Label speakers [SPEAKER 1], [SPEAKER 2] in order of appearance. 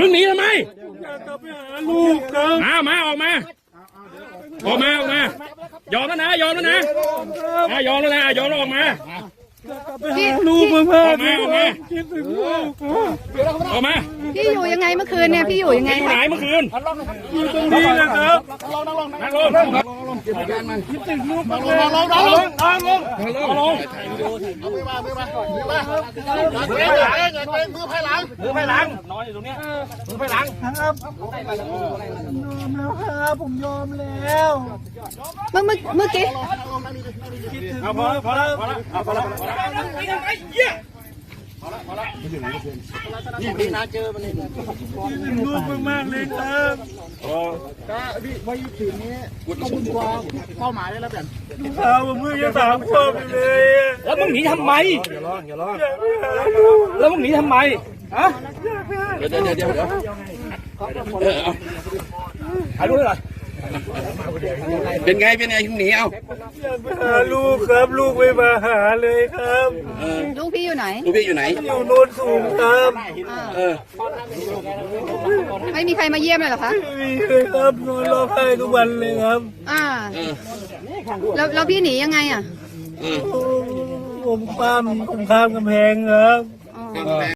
[SPEAKER 1] มึงหนีทำไม
[SPEAKER 2] อยากกลับไปหาลูกครับ
[SPEAKER 1] มาออกมายอมแล้วนะยอมแล้วนะยอมแล้วนะยอมแล้วออกมา
[SPEAKER 2] ไปหาลูกมากๆ
[SPEAKER 1] ออกมา
[SPEAKER 2] คิดถึงลูก
[SPEAKER 1] ออกมา
[SPEAKER 3] พี่อยู่ยังไงเมื่อคืนเนี่ยพี่อยู่ยังไง
[SPEAKER 1] อยู่ไหนเมื่อคืน
[SPEAKER 2] อยู่ตรงนี้นะครับ
[SPEAKER 1] นั่งลง
[SPEAKER 2] คิดถึงลูกมาก
[SPEAKER 1] ลงมือไผ่หลังนอนอยู่ตรงเนี้ยมือไผ่หลัง
[SPEAKER 2] ครับยอมแล้วครับผมยอมแล้ว
[SPEAKER 3] เมื่อกี้
[SPEAKER 1] เอาพอแล้วนี่นาเจอมันเลย
[SPEAKER 2] คิดถึงลูกมากๆเลยครับ
[SPEAKER 1] เป้าหมายได้แล้วแบบ
[SPEAKER 2] ข่าวผมเพิ่งจะถามพ่อไปเลยอะ
[SPEAKER 1] แล้วมึงหนีทำไม
[SPEAKER 2] อยากไปหา
[SPEAKER 1] แล้วมึงหนีทำไมฮะเดี๋ยวถ่ายรูปเลยเหรอเป็นไงหนีเอา
[SPEAKER 2] อยากไปหาลูกครับลูกไม่มาหาเลยครับ
[SPEAKER 3] ลูกพี่อยู่ไหน
[SPEAKER 1] ลูกพี่อยู่ไหน
[SPEAKER 2] อยู่โน่นสูงครับ
[SPEAKER 3] ไม่มีใครมาเยี่ยมเลยเหรอคะ
[SPEAKER 2] ไม่มีเลยครับนอนร้องไห้ทุกวันเลยครับ
[SPEAKER 3] แล้วพี่หนียังไงอ่ะ
[SPEAKER 2] ผมข้ามกำแพงครับ